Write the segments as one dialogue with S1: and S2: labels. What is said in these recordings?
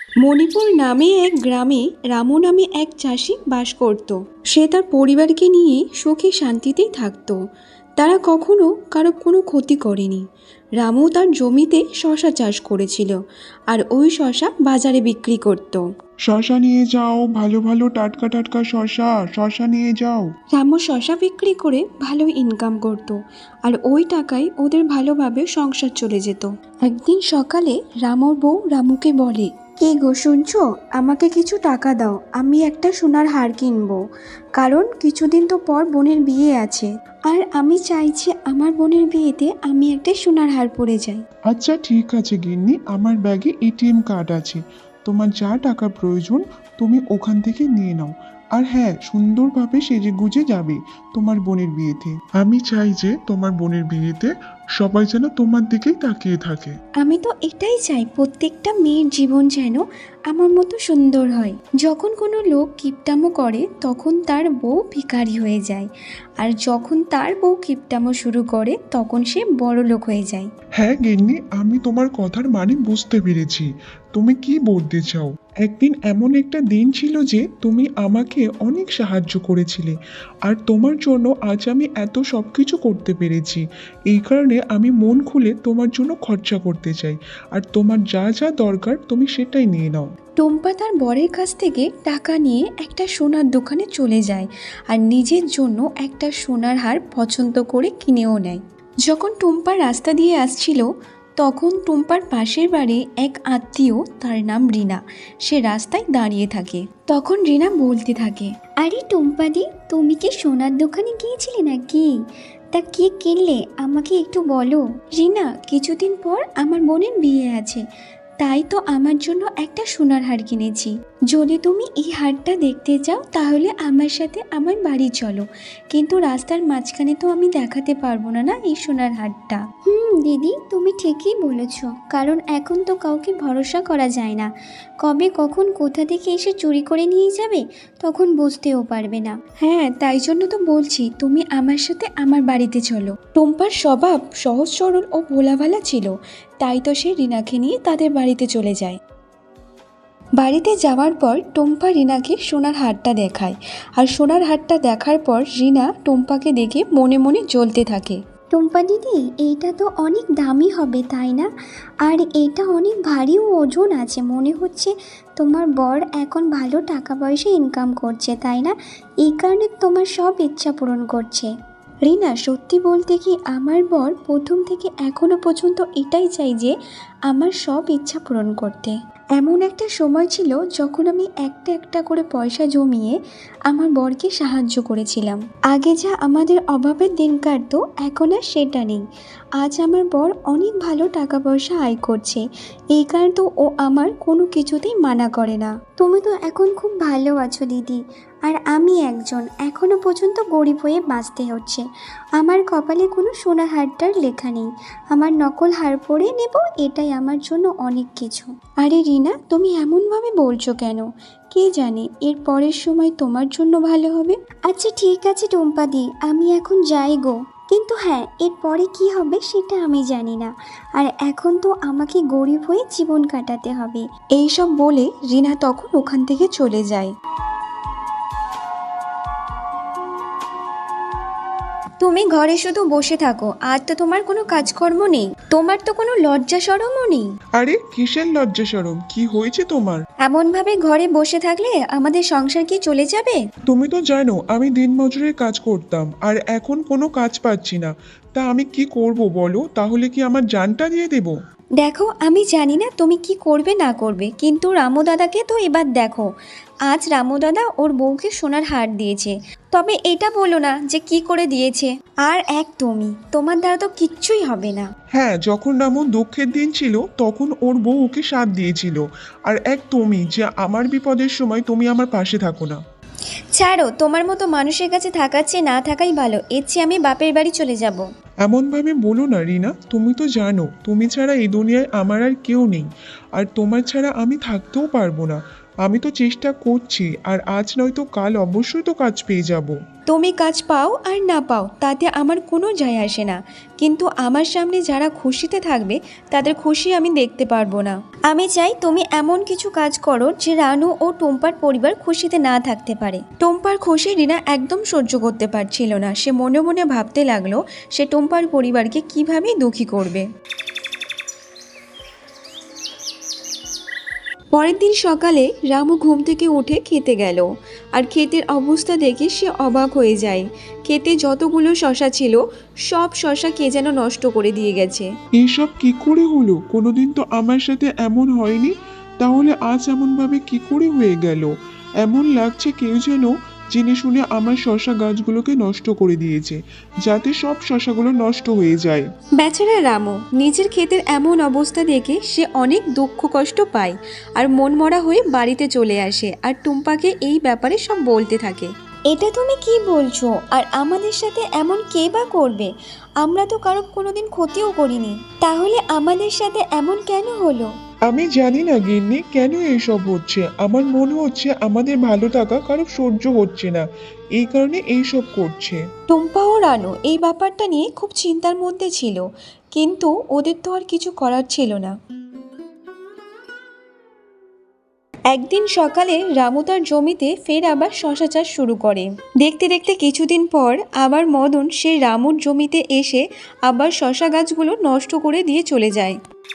S1: মণিপুর নামে এক গ্রামে রামু নামে এক চাষি বাস করত। সে তার পরিবারকে নিয়ে সুখে শান্তিতেই থাকত। তারা কখনো কারো কোনো ক্ষতি করেনি। রামু তার জমিতে শশা চাষ করেছিল, আর ওই শশা বাজারে বিক্রি করত।
S2: শশা নিয়ে যাও, ভালো ভালো টাটকা টাটকা শশা, শশা নিয়ে যাও।
S1: রামু শশা বিক্রি করে ভালো ইনকাম করত, আর ওই টাকায় ওদের ভালোভাবে সংসার চলে যেত। একদিন সকালে রামুর বউ রামুকে বলে, কে গো শুনছো, আমাকে কিছু টাকা দাও, আমি একটা সোনার হার কিনবো। কারণ কিছুদিন তো পর বোনের বিয়ে আছে, আর আমি চাইছি আমার বোনের বিয়েতে আমি একটা সোনার হার পরে যাই।
S2: আচ্ছা ঠিক আছে গিন্নি, আমার ব্যাগে এটিএম কার্ড আছে, তোমার যা টাকা প্রয়োজন তুমি ওখান থেকে নিয়ে নাও। আর হ্যাঁ, সুন্দরভাবে সেজে গুজে যাবে তোমার বোনের বিয়েতে। আমি চাই যে তোমার বোনের বিয়েতে সবাই যেন তোমার দিকেই তাকিয়ে থাকে।
S1: আমি তো এটাই চাই, প্রত্যেকটা মেয়ের জীবন যেন আমার মতো সুন্দর হয়। যখন কোনো লোক কিপটামো করে তখন তার বউ ভিখারি হয়ে যায়, আর যখন তার বউ কিপটামো শুরু করে তখন সে বড় লোক হয়ে যায়।
S2: হ্যাঁ গিন্নি, আমি তোমার কথার মানে বুঝতে পেরেছি। তুমি কি বলতে চাও? একদিন এমন একটা দিন ছিল যে তুমি আমাকে অনেক সাহায্য করেছিলে, আর তোমার জন্য আজ আমি এত সব কিছু করতে পেরেছি। এই কারণে আমি মন খুলে তোমার জন্য খরচা করতে চাই, আর তোমার যা যা দরকার তুমি সেটাই নিয়ে নাও।
S1: টুম্পা তার বরের কাছ থেকে টাকা নিয়ে একটা সোনার দোকানে চলে যায়, আর নিজের জন্য একটা সোনার হার পছন্দ করে কিনেও নেয়। যখন টুম্পা রাস্তা দিয়ে আসছিল তখন টুম্পার পাশের বাড়ি এক আত্মীয়, তার নাম রিনা, সে রাস্তায় দাঁড়িয়ে থাকে। তখন রিনা বলতে থাকে, আরে টুম্পাদি, তুমি কি সোনার দোকানে গিয়েছিলে নাকি? তা কি কিনলে আমাকে একটু বলো। রিনা, কিছুদিন পর আমার বোনের বিয়ে আছে, তাই তো আমার জন্য একটা সোনার হার কিনেছি। যদি তুমি এই হারটা দেখতে চাও তাহলে আমার সাথে আমার বাড়ি চলো, কিন্তু রাস্তার মাঝখানে তো আমি দেখাতে পারবো না এই সোনার হারটা। দিদি, তুমি ঠিকই বলেছ, কারণ এখন তো কাউকে ভরসা করা যায় না, কবে কখন কোথা থেকে এসে চুরি করে নিয়ে যাবে তখন বুঝতেও পারবে না। হ্যাঁ, তাই জন্য তো বলছি তুমি আমার সাথে আমার বাড়িতে চলো। টুম্পার স্বভাব সহজ সরল ও ভোলাভালা ছিল, তাই তো সে রিনাকে নিয়ে তাদের বাড়িতে চলে যায়। বাড়িতে যাওয়ার পর টুম্পা রিনাকে সোনার হারটা দেখায়, আর সোনার হারটা দেখার পর রিনা টুম্পাকে দেখে মনে মনে জ্বলতে থাকে। টুম্পা দিদি, এইটা তো অনেক দামি হবে তাই না? আর এটা অনেক ভারী ও ওজন আছে, মনে হচ্ছে তোমার বর এখন ভালো টাকা পয়সা ইনকাম করছে তাই না? এই কারণে তোমার সব ইচ্ছা পূরণ করছে। রিনা, সত্যি বলতে কি আমার বর প্রথম থেকে এখনো পর্যন্ত এটাই চাই যে আমার সব ইচ্ছা পূরণ করতে। এমন একটা সময় ছিল যখন আমি একটা একটা করে পয়সা জমিয়ে আমার বরকে সাহায্য করেছিলাম। আগে যা আমাদের অভাবের দিন কাটতো এখন আর সেটা নেই। আজ আমার বর অনেক ভালো টাকা পয়সা আয় করছে, এই কারণে তো ও আমার কোনো কিছুতেই মানা করে না। তুমি তো এখন খুব ভালো আছো দিদি, আর আমি একজন এখনো পর্যন্ত গরিব হয়ে বাঁচতে হচ্ছে। আমার কপালে কোনো সোনার হারটার লেখা নেই, আমার নকল হার পরে নেব, এটাই আমার জন্য অনেক কিছু। আরে রিনা, তুমি এমনভাবে বলছো কেন? কে জানে এর পরের সময় তোমার জন্য ভালো হবে। আচ্ছা ঠিক আছে টুম্পাদি, আমি এখন যাই গো, কিন্তু হ্যাঁ, এর পরে কি হবে সেটা আমি জানি না, আর এখন তো আমাকে গরিব হয়ে জীবন কাটাতে হবে। এইসব বলে রিনা তখন ওখান থেকে চলে যায়। তুমি ঘরে শুধু বসে থাকো, আর তো তোমার কোনো কাজকর্ম নেই, তোমার তো কোনো লজ্জা শরমও নেই।
S2: আরে কিসের লজ্জা শরম, কি হয়েছে তোমার?
S1: এমনভাবে ঘরে বসে থাকলে আমাদের সংসার কি চলে যাবে?
S2: তুমি তো জানো আমি দিনমজুরের কাজ করতাম, আর এখন কোনো কাজ পাচ্ছি না। তা আমি কি করব বলো? তাহলে কি আমার জানটা দিয়ে দেবো?
S1: দেখো, আমি জানি না তুমি কি করবে না করবে, কিন্তু রামু দাদাকে তো এবার দেখো, আজ রামু দাদা ওর বউকে সোনার হার দিয়েছে, তবে এটা বলো না যে কি করে দিয়েছে। আর এক তুমি, তোমার দ্বারা তো কিচ্ছুই হবে না।
S2: হ্যাঁ, যখন রামুর দুঃখের দিন ছিল তখন ওর বউ ওকে সাথ দিয়েছিল, আর এক তুমি যে আমার বিপদের সময় তুমি আমার পাশে থাকো না।
S1: ছাড়ো, তোমার মতো মানুষের কাছে থাকার চেয়ে না থাকাই ভালো, এর চেয়ে আমি বাপের বাড়ি চলে যাব।
S2: এমনভাবে বলো না রিনা, তুমি তো জানো তুমি ছাড়া এই দুনিয়ায় আমার আর কেউ নেই, আর তোমার ছাড়া আমি থাকতেও পারবো না। আমি তো চেষ্টা করছি, আর আজ নয়তো কাল অবশ্যই তো কাজ পেয়ে যাব।
S1: তুমি কাজ পাও আর না পাও তাতে আমার কোনো যায় আসে না, কিন্তু আমার সামনে যারা খুশিতে থাকবে তাদের খুশি আমি দেখতে পারবো না। আমি চাই তুমি এমন কিছু কাজ করো যে রানু ও টুম্পার পরিবার খুশিতে না থাকতে পারে। টুম্পার খুশি রিনা একদম সহ্য করতে পারছিল না। সে মনে মনে ভাবতে লাগলো সে টুম্পার পরিবারকে কিভাবে দুঃখী করবে। পরের দিন সকালে রামু ঘুম থেকে উঠে খেতে গেল, আর ক্ষেতের অবস্থা দেখে সে অবাক হয়ে যায়। ক্ষেতে যতগুলো শশা ছিল সব শশা কে যেন নষ্ট করে দিয়ে গেছে।
S2: এইসব কি করে হলো? কোনোদিন তো আমার সাথে এমন হয়নি, তাহলে আজ এমনভাবে কি করে হয়ে গেল? এমন লাগছে কেউ যেন জেনে শুনে আমার শশা গাছগুলোকে নষ্ট করে দিয়েছে, যাতে সব শশাগুলো নষ্ট হয়ে যায়।
S1: বেচারা রামু নিজের ক্ষেতের এমন অবস্থা দেখে সে অনেক দুঃখ কষ্ট পায়, আর মনমরা হয়ে বাড়িতে চলে আসে আর টুম্পাকে এই ব্যাপারে সব বলতে থাকে। এটা তুমি কি বলছো? আর আমাদের সাথে এমন কে বা করবে? আমরা তো কারো কোনোদিন ক্ষতিও করিনি, তাহলে আমাদের সাথে এমন কেন হলো?
S2: আমি জানি না গিন্নি, কেন এইসব হচ্ছে। আমার মনে হচ্ছে আমাদের ভালো থাকা কারো সহ্য হচ্ছে না, এই কারণে এইসব করছে।
S1: টুম্পা ও রানু এই ব্যাপারটা নিয়ে খুব চিন্তার মধ্যে ছিল, কিন্তু ওদের তো আর কিছু করার ছিল না। একদিন সকালে রামু তার জমিতে ফের আবার শশা চাষ শুরু করে। দেখতে দেখতে কিছুদিন পর আবার মদন সেই রামুর জমিতে এসে আবার শশা গাছগুলো নষ্ট করে দিয়ে চলে যায়।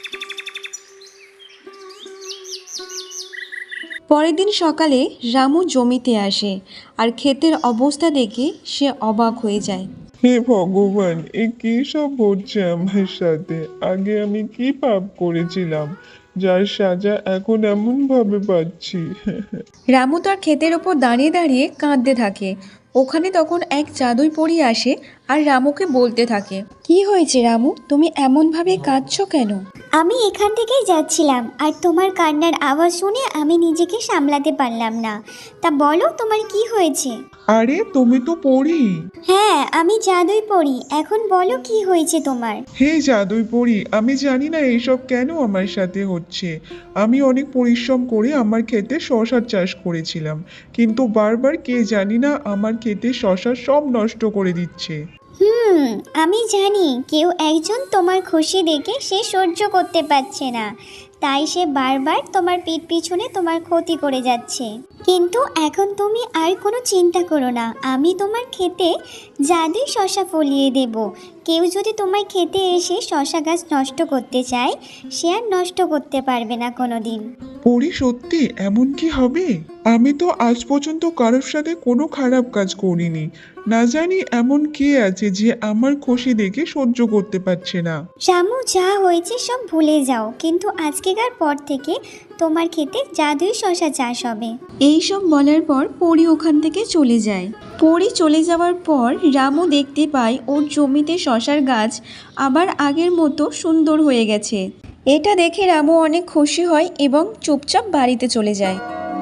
S1: পরের দিন সকালে রামু জমিতে আসে আর ক্ষেতের অবস্থা দেখে সে অবাক হয়ে যায়।
S2: হে ভগবান, এ কি সব হচ্ছে আমার সাথে? আগে আমি কি পাপ করেছিলাম যার সাজা এখন এমন ভাবে পাচ্ছি?
S1: রামু তার ক্ষেতের ওপর দাঁড়িয়ে দাঁড়িয়ে কাঁদতে থাকে। ওখানে তখন এক জাদুই পরী আসে আর রামুকে বলতে থাকে, কি হয়েছে রামু, তুমি এমনভাবে কাঁদছো কেন?
S3: আমি এখান থেকেই যাচ্ছিলাম আর তোমার কান্নার আওয়াজ শুনে আমি নিজেকে সামলাতে পারলাম না। তা বলো তোমার কি হয়েছে?
S2: আরে তুমি তো পড়ি।
S3: হ্যাঁ, আমি জাদুই পড়ি। এখন বলো কি হয়েছে তোমার?
S2: হে জাদুই পড়ি, আমি জানি না এইসব কেন আমার সাথে হচ্ছে। আমি অনেক পরিশ্রম করে আমার ক্ষেতে শশার চাষ করেছিলাম, কিন্তু বারবার কে জানি না আমার ক্ষেতে শশা সব নষ্ট করে দিচ্ছে।
S3: আমি জানি কেউ একজন তোমার খুশি দেখে সে সহ্য করতে পারছে না, তাই সে বারবার তোমার পিঠ পিছনে তোমার ক্ষতি করে যাচ্ছে। কিন্তু এখন তুমি আর কোনো চিন্তা করো না, আমি তোমার ক্ষেতে জাদুই শশা ফলিয়ে দেব। কেউ যদি তোমার ক্ষেতে এসে শশা গাছ নষ্ট করতে চায়, সে আর নষ্ট করতে পারবে না কোনো দিন।
S2: পড়ি, সত্যি এমন কি হবে? আমি তো আজ পর্যন্ত কারোর সাথে কোনো খারাপ কাজ করিনি। না জানি এমন কে আছে যে আমার খুশি দেখে সহ্য করতে পারছে না।
S3: রামু, যা হয়েছে সব ভুলে যাও, কিন্তু আজকেকার পর থেকে তোমার ক্ষেতে জাদুই শশা চাষ হবে।
S1: এইসব বলার পর পরী ওখান থেকে চলে যায়। পরী চলে যাওয়ার পর রামু দেখতে পায় ওর জমিতে শশার গাছ আবার আগের মতো সুন্দর হয়ে গেছে। এটা দেখে রামু অনেক খুশি হয় এবং চুপচাপ বাড়িতে চলে যায়।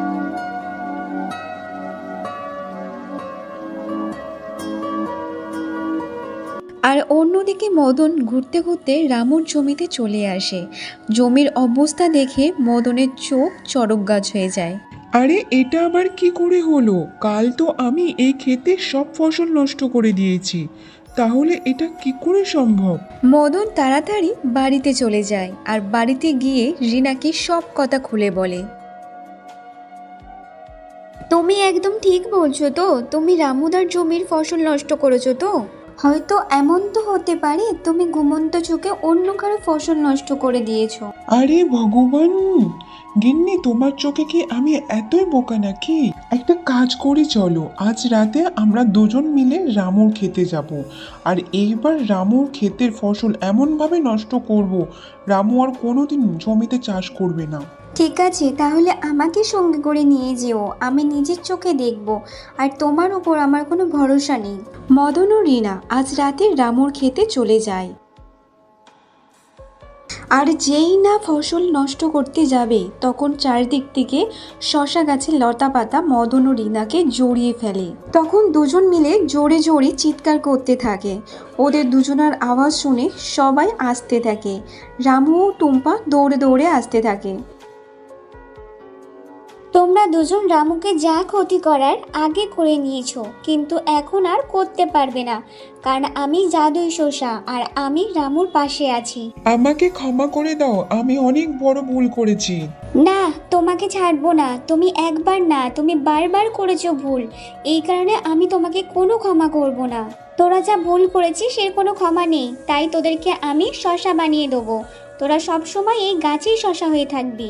S1: আর অন্যদিকে মদন ঘুরতে ঘুরতে রামুর জমিতে চলে আসে। জমির অবস্থা দেখে মদনের চোখ চড়ক গাছ হয়ে যায়।
S2: আরে এটা আবার কি করে হলো? কাল তো আমি এই ক্ষেতে সব ফসল নষ্ট করে দিয়েছি, তাহলে এটা কি করে সম্ভব?
S1: মদন তাড়াতাড়ি বাড়িতে চলে যায় আর বাড়িতে গিয়ে রিনাকে সব কথা খুলে বলে। তুমি একদম ঠিক বলছো তো? তুমি রামুদার জমির ফসল নষ্ট করেছো তো? হয়তো এমন তো হতে পারে তুমি ঘুমন্ত চোখে অন্য কারো ফসল নষ্ট করে দিয়েছো।
S2: আরে ভগবান, গিন্নি তোমার চোখে কি আমি এতই বোকা নাকি? একটা কাজ করি, চলো আজ রাতে আমরা দুজন মিলে রামুর খেতে যাব, আর এইবার রামুর ক্ষেতের ফসল এমনভাবে নষ্ট করব, রামু আর কোনোদিন জমিতে চাষ করবে না।
S1: ঠিক আছে, তাহলে আমাকে সঙ্গে করে নিয়ে যেও, আমি নিজের চোখে দেখব, আর তোমার উপর আমার কোনো ভরসা নেই। মদন ও রিনা আজ রাতে রামুর খেতে চলে যায়। আর যেই না ফসল নষ্ট করতে যাবে তখন চারিদিক থেকে শশা গাছের লতা পাতা মদন ও রিনাকে জড়িয়ে ফেলে। তখন দুজন মিলে জোরে জোরে চিৎকার করতে থাকে। ওদের দুজনের আওয়াজ শুনে সবাই আসতে থাকে। রামু ও টুম্পা দৌড়ে দৌড়ে আসতে থাকে।
S3: তোমরা দুজন রামুকে যা ক্ষতি করার আগে করে নিয়েছো, কিন্তু এখন আর করতে পারবে না, কারণ আমি জাদুই শসা আর আমি রামুর পাশে আছি।
S2: আমাকে ক্ষমা করে দাও, আমি অনেক বড় ভুল করেছি।
S3: না, তোমাকে ছাড়বো না। তুমি একবার না, তুমি বারবার করেছো ভুল। এই কারণে আমি তোমাকে কোনো ক্ষমা করব না। তোরা যা ভুল করেছিস সে কোনো ক্ষমা নেই, তাই তোদেরকে আমি শসা বানিয়ে দেবো। তোরা সবসময় এই গাছেই শসা হয়ে থাকবি।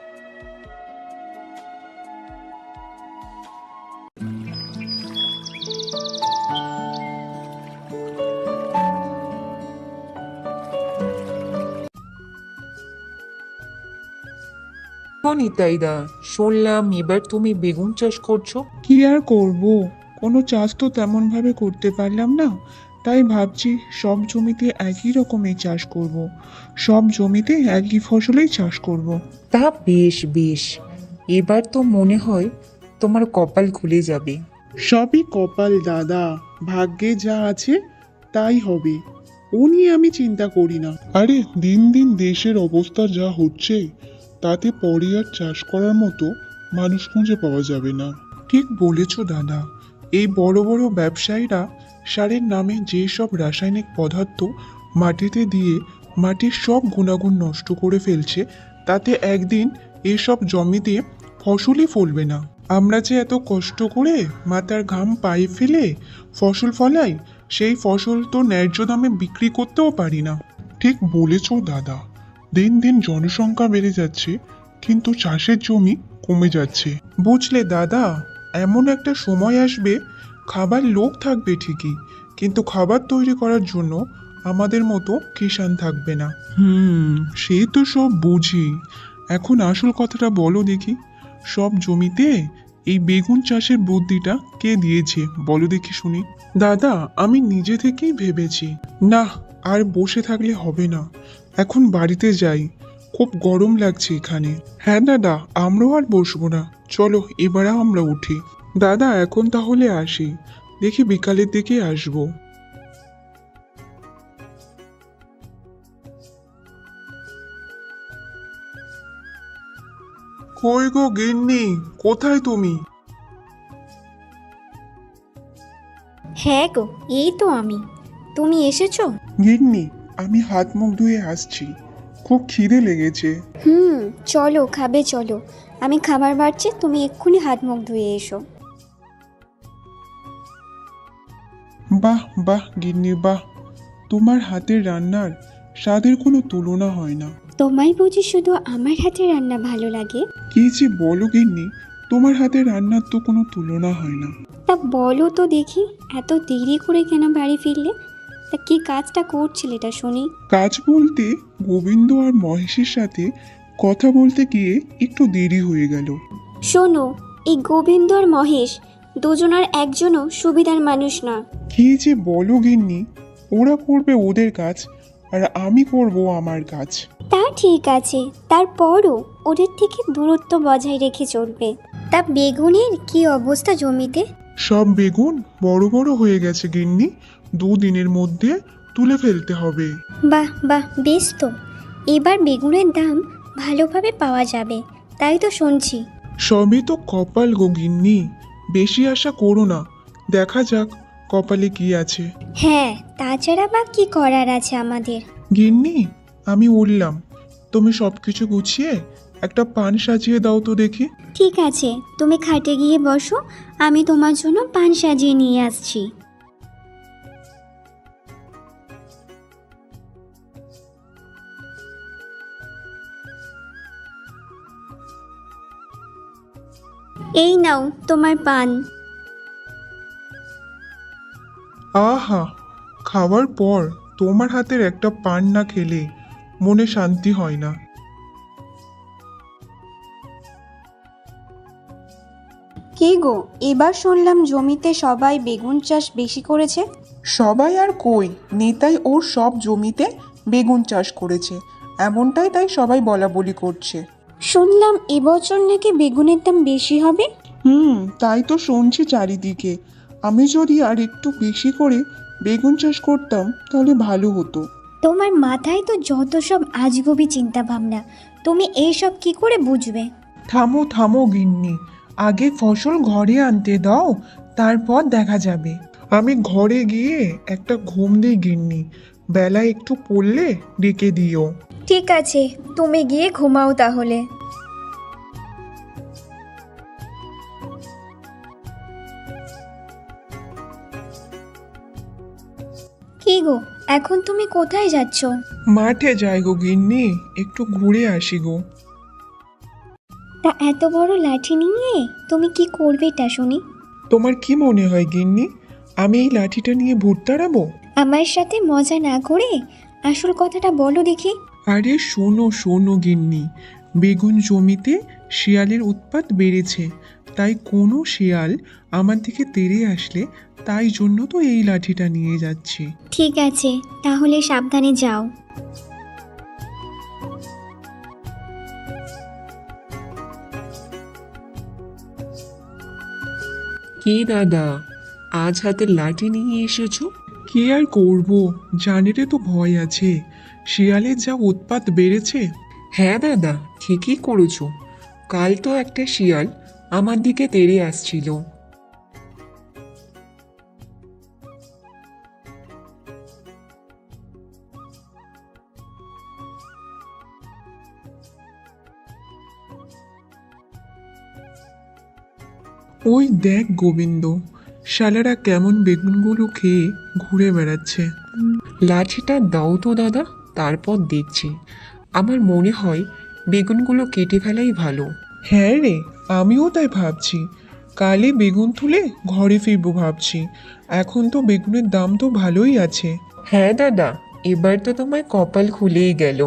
S4: নিতাইদা, শুনলাম এবার তুমি বেগুন চাষ করছো।
S2: কি আর করব, কোনো চাষ তো তেমন ভাবে করতে পারলাম না, তাই ভাবছি সব জমিতে একই রকমের চাষ করব। সব জমিতে একই ফসলেই চাষ করব।
S4: তা বেশ বেশ, এবার তো মনে হয় তোমার কপাল খুলে যাবে।
S2: সবই কপাল দাদা, ভাগ্যে যা আছে তাই হবে, ও নিয়ে আমি চিন্তা করি না। আরে দিন দিন দেশের অবস্থা যা হচ্ছে, তাতে পরে আর চাষ করার মতো মানুষ খুঁজে পাওয়া যাবে না। ঠিক বলেছ দাদা, এই বড় বড় ব্যবসায়ীরা সারের নামে যে সব রাসায়নিক পদার্থ মাটিতে দিয়ে মাটির সব গুণাগুণ নষ্ট করে ফেলছে, তাতে একদিন এসব জমিতে ফসলই ফলবে না। আমরা যে এত কষ্ট করে মাথার ঘাম পায়ে ফেলে ফসল ফলাই, সেই ফসল তো ন্যায্য দামে বিক্রি করতেও পারি না। ঠিক বলেছ দাদা, দিন দিন জনসংখ্যা বেড়ে যাচ্ছে, কিন্তু চাষের জমি কমে যাচ্ছে। বুঝলে দাদা, এমন একটা সময় আসবে খাবার লোক থাকবে ঠিকই, কিন্তু খাবার তৈরি করার জন্য আমাদের মতো কিষান থাকবে না। সে তো সব বুঝি, এখন আসল কথাটা বলো দেখি, সব জমিতে এই বেগুন চাষের বুদ্ধিটা কে দিয়েছে বলো দেখি শুনি। দাদা, আমি নিজে থেকেই ভেবেছি। না, আর বসে থাকলে হবে না, এখন বাড়িতে যাই, খুব গরম লাগছে এখানে। হ্যাঁ দাদা, আমরাও আর বসবো না, চলো এবার আমরা উঠি। দাদা এখন তাহলে আসি, দেখি বিকালের দিকে আসবো। কই গো গিন্নি, কোথায় তুমি?
S3: হ্যাঁ গো, এই তো আমি। তুমি এসেছো?
S2: গিন্নি, আমি হাত মুখ ধুয়ে আসছি, খুব খিদে লেগেছে।
S3: চলো, খাবে চলো। আমি খাবার বাড়ছি, তুমি এক্ষুনি হাত মুখ ধুয়ে এসো।
S2: বাহ বাহ গিন্নি বাহ, তোমার হাতের রান্নার স্বাদের কোনো তুলনা হয় না।
S3: তোমায় বুঝি শুধু আমার হাতে রান্না ভালো লাগে?
S2: কি যে বলো গিন্নি, তোমার হাতের রান্নার তো কোনো তুলনা হয় না।
S3: তা বলো তো দেখি, এত দেরি করে কেন বাড়ি ফিরলে? তা কি কাজটা করছিলে এটা শুনি?
S2: কাজ বলতে গোবিন্দ আর মহেশের সাথে কথা বলতে গিয়ে একটু দেরি হয়ে গেল।
S3: শোনো, এই গোবিন্দ আর মহেশ দুজনের একজনও সুবিধার মানুষ না।
S2: কি যে বলো গিন্নি, ওরা করবে ওদের কাজ আর আমি করব আমার কাজ।
S3: তা ঠিক আছে, তারপরও ওদের থেকে দূরত্ব বজায় রেখে চলবে। তা বেগুনের কি অবস্থা জমিতে?
S2: সব বেগুন বড় বড় হয়ে গেছে গিন্নি, 2 দিনের মধ্যে তুলে ফেলতে হবে।
S3: বাহ বাহ, বেশ তো। এবার বেগুনের দাম ভালোভাবে পাওয়া যাবে, তাই তো শুনছি।
S2: সবই তো কপাল গো গিন্নি, বেশি আশা করো না, দেখা যাক কপালে কি আছে।
S3: হ্যাঁ, তাছাড়া বা কি করার আছে আমাদের?
S2: গিন্নি, আমি উঠলাম, তুমি সবকিছু গুছিয়ে একটা পান সাজিয়ে দাও তো দেখি।
S3: ঠিক আছে, তুমি খাটে গিয়ে বসো, আমি তোমার জন্য পান সাজিয়ে নিয়ে আসছি। এই নাও তোমার পান।
S2: আহা, খাওয়ার পর তোমার হাতের একটা পান না খেলে মনে শান্তি হয় না।
S1: কে গো, এবার শুনলাম জমিতে সবাই বেগুন চাষ বেশি করেছে।
S5: সবাই আর কই, নেতাই ওর সব জমিতে বেগুন চাষ করেছে, এমনটাই তাই সবাই বলা বলি করছে।
S1: শুনলাম এবছর নাকি বেগুনের দাম বেশি হবে।
S5: তাই তো শুনছি চারিদিকে। আমি যদি আর একটু বেশি করে বেগুন চাষ করতাম তাহলে ভালো হতো।
S3: তোমার মাথায় তো যত সব আজগুবি চিন্তা ভাবনা, তুমি এইসব কি করে বুঝবে?
S2: থামো থামো গিন্নি, আগে ফসল ঘরে আনতে দাও, তারপর দেখা যাবে। আমি ঘরে গিয়ে একটা ঘুম দিই গিন্নি, বেলা একটু পড়লে ডেকে দিও।
S1: ঠিক আছে, তুমি গিয়ে ঘুমাও তাহলে। কি গো, এখন তুমি কোথায় যাচ্ছ?
S2: মাঠে যাই গো গিন্নি, একটু ঘুরে আসি গো।
S3: তা এত বড় লাঠি নিয়ে তুমি কি করবেটা শুনি?
S2: তোমার কি মনে হয় গিন্নি, আমি এই লাঠিটা নিয়ে ভূত তাড়াবো?
S3: আমার সাথে মজা না করে আসল কথাটা বলো দেখি।
S2: আরে শোনো শোনো গিন্নি, বেগুন জমিতে শিয়ালের উৎপাত বেড়েছে, তাই কোনো শিয়াল আমার দিকে তেড়ে আসলে তাই জন্য তো এই লাঠিটা নিয়ে যাচ্ছি।
S3: ঠিক আছে, তাহলে সাবধানে যাও।
S4: কি দাদা, আজ হাতে লাঠি নিয়ে এসেছো?
S2: কি আর করব, জানেরে তো ভয় আছে, শিয়ালের যা উৎপাত বেড়েছে।
S4: হ্যাঁ দাদা, ঠিকই করেছো। কাল তো একটা শিয়াল আমার দিকে তেড়ে আসছিল।
S2: ওই দেখ গোবিন্দ, শালারা কেমন বেগুনগুলো খেয়ে ঘুরে বেড়াচ্ছে।
S4: লাঠিটা দাও তো দাদা, তারপর দেখছি। আমার মনে হয় বেগুনগুলো কেটে ফেলাই ভালো।
S2: হ্যাঁ রে, আমিও তাই ভাবছি, কালে বেগুন তুলে ঘরে ফিরবো ভাবছি। এখন তো বেগুনের দাম তো ভালোই আছে।
S4: হ্যাঁ দাদা, এবার তো তোমার কপাল খুলেই গেল।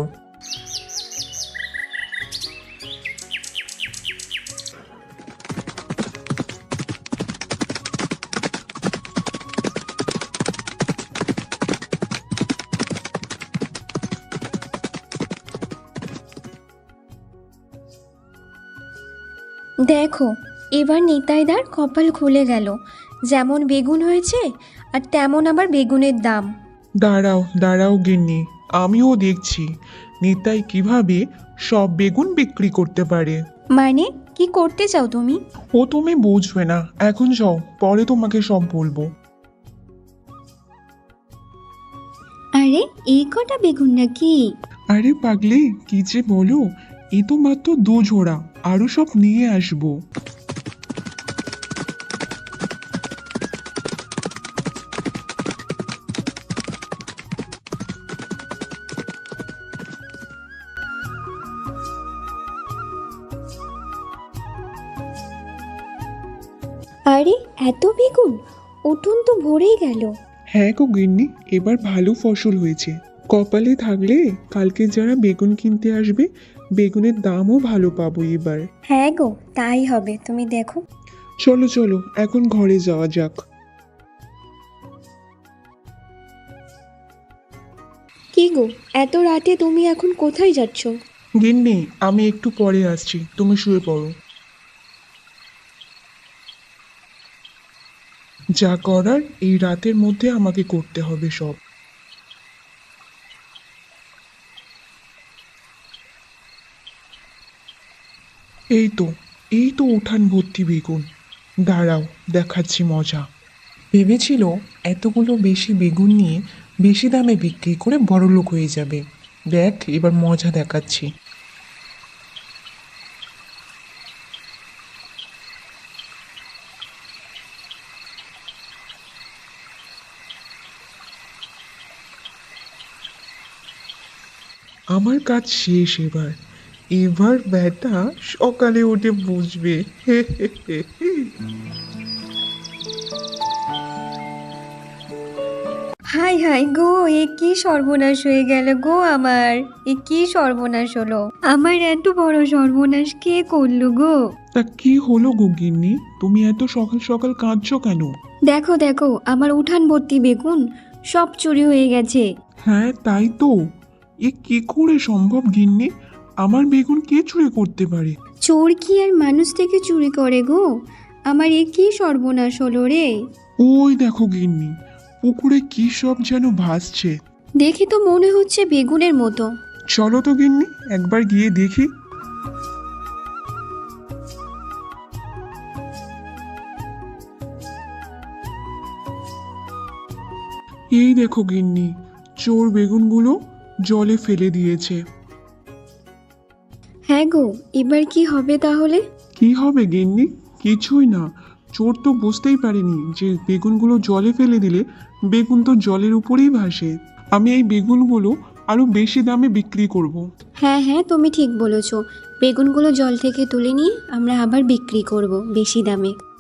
S1: দেখো, এবার নিতাইদার কপাল খুলে গেল, যেমন বেগুন হয়েছে আর তেমন আবার বেগুনের দাম।
S2: দাঁড়াও দাঁড়াও গিন্নি, আমিও দেখছি নিতাই কিভাবে সব বেগুন বিক্রি করতে পারে।
S1: মানে কি করতে চাও তুমি?
S2: ও তুমি বুঝবে না, এখন যাও, পরে তোমাকে সব বলবো।
S3: আরে এই কটা বেগুন নাকি?
S2: আরে পাগলি, কি যে বলো, এ তো মাত্র 2 জোড়া, আরো সব নিয়ে আসবো।
S1: আরে এত বেগুন, উঠোন তো ভরেই গেল।
S2: হ্যাঁ গো গিন্নি, এবার ভালো ফসল হয়েছে। কপালে থাকলে কালকে যারা বেগুন কিনতে আসবে, বেগুনের দামও ভালো পাবো এবার।
S1: হ্যাঁ গো, তাই হবে, তুমি দেখো।
S2: চলো চলো, এখন ঘরে যাওয়া যাক।
S1: কি গো, এত রাতে তুমি এখন কোথায় যাচ্ছ?
S2: গিন্নি, আমি একটু পরে আসছি, তুমি শুয়ে পড়ো। যা করার এই রাতের মধ্যে আমাকে করতে হবে সব। এই তো, এই তো উঠান ভর্তি বেগুন, দাঁড়াও দেখাচ্ছি মজা। ভেবেছিল এতগুলো বেশি বেগুন নিয়ে বেশি দামে বিক্রি করে বড়লোক হয়ে যাবে। দেখ এবার মজা দেখাচ্ছি। আমার কাজ শেষ এবার, এবার ব্যাটা সকালে উঠে বুঝবে।
S1: হাই হাই গো, এ কি সর্বনাশ হয়ে গেল গো আমার, এ কি সর্বনাশ হলো আমার, এত বড় সর্বনাশ কে করলো গো?
S2: তা কি হলো গো গিন্নি, তুমি এত সকাল সকাল কাঁদছো কেন?
S1: দেখো দেখো, আমার উঠান ভর্তি বেগুন সব চুরি হয়ে গেছে।
S2: হ্যাঁ তাই তো, এ কি করে সম্ভব গিন্নি, আমার বেগুন কে চুরি করতে পারে?
S1: চোর কি আর মানুষ থেকে চুরি করে গো? আমার এ কি সর্বনাশ হলো রে।
S2: ওই দেখো গিন্নি, পুকুরে কি সব যেন ভাসছে।
S1: দেখে তো মনে হচ্ছে বেগুনের মতো।
S2: চলো তো গিন্নি, একবার গিয়ে দেখি। এই দেখো গিন্নি, চোর বেগুনগুলো জলে ফেলে দিয়েছে।
S1: হ্যাঁ গো, এবার কি হবে তাহলে?
S2: কি হবে গিন্নি? কিছুই না। চোর তো বুঝতেই পারেনি যে বেগুনগুলো জলে ফেলে দিলে বেগুন তো জলের উপরেই ভাসে। আমি এই বেগুনগুলো আরো বেশি দামে বিক্রি করব।
S1: হ্যাঁ হ্যাঁ, তুমি ঠিক বলেছো। বেগুনগুলো জল থেকে তুলে নিয়ে আমরা আবার বিক্রি করব বেশি দামে।